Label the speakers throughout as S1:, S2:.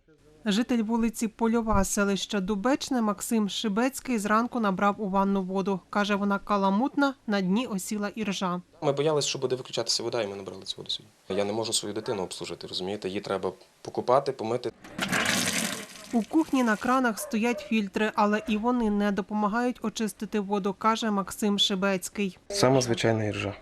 S1: Житель вулиці Польова, селища Дубечне, Максим Шибецький зранку набрав у ванну воду. Каже, вона каламутна, на дні осіла іржа.
S2: Ми боялися, що буде виключатися вода, і ми набрали цю воду собі. Я не можу свою дитину обслужити, розумієте? Її треба покупати, помити.
S1: У кухні на кранах стоять фільтри, але і вони не допомагають очистити воду, каже Максим Шибецький.
S2: Сама звичайна іржа.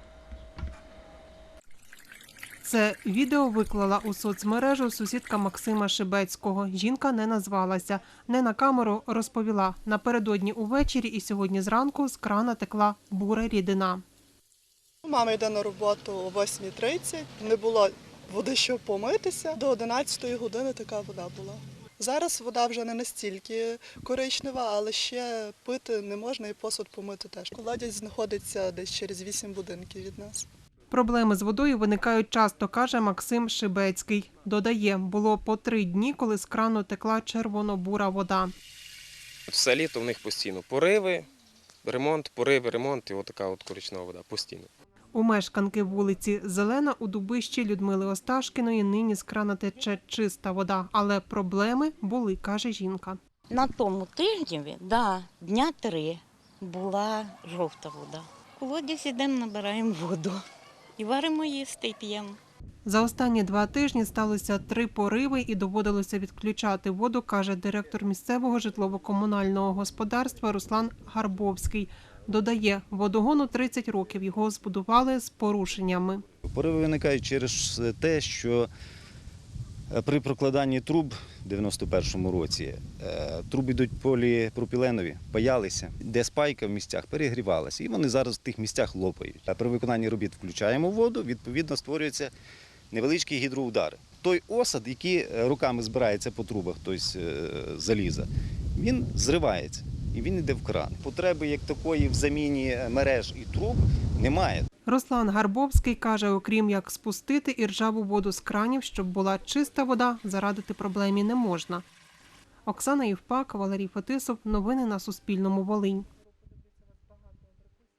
S1: Це відео виклала у соцмережу сусідка Максима Шибецького. Жінка не назвалася. Не на камеру розповіла. Напередодні увечері і сьогодні зранку з крана текла бура рідина.
S3: Мама йде на роботу о 8:30, не було води, щоб помитися. До 11 години така вода була. Зараз вода вже не настільки коричнева, але ще пити не можна і посуд помити теж. Колодязь знаходиться десь через 8 будинків від нас.
S1: Проблеми з водою виникають часто, каже Максим Шибецький. Додає, було по 3 дні, коли з крану текла червоно-бура вода.
S2: Все літо в них постійно пориви, ремонт, пориви, ремонт і отака от коричнева вода постійно.
S1: У мешканки вулиці Зелена у Дубищі Людмили Осташкіної нині з крана тече чиста вода. Але проблеми були, каже жінка.
S4: На тому тижні, дня 3 була жовта вода. В колодязь ідемо, набираємо воду. І варимо їсти, і п'ємо.
S1: За останні 2 тижні сталося 3 пориви і доводилося відключати воду, каже директор місцевого житлово-комунального господарства Руслан Гарбовський. Додає, водогону 30 років, його збудували з порушеннями.
S5: Пориви виникають через те, що при прокладанні труб в 91-му році труби йдуть поліпропіленові, паялися, де спайка в місцях перегрівалася, і вони зараз в тих місцях лопають. А при виконанні робіт включаємо воду, відповідно створюються невеличкі гідроудари. Той осад, який руками збирається по трубах, тобто заліза, він зривається і він йде в кран. Потреби як такої в заміні мереж і труб немає.
S1: Руслан Гарбовський каже, окрім як спустити іржаву воду з кранів, щоб була чиста вода, зарадити проблемі не можна. Оксана Євпак, Валерій Фетисов. Новини на Суспільному. Волинь.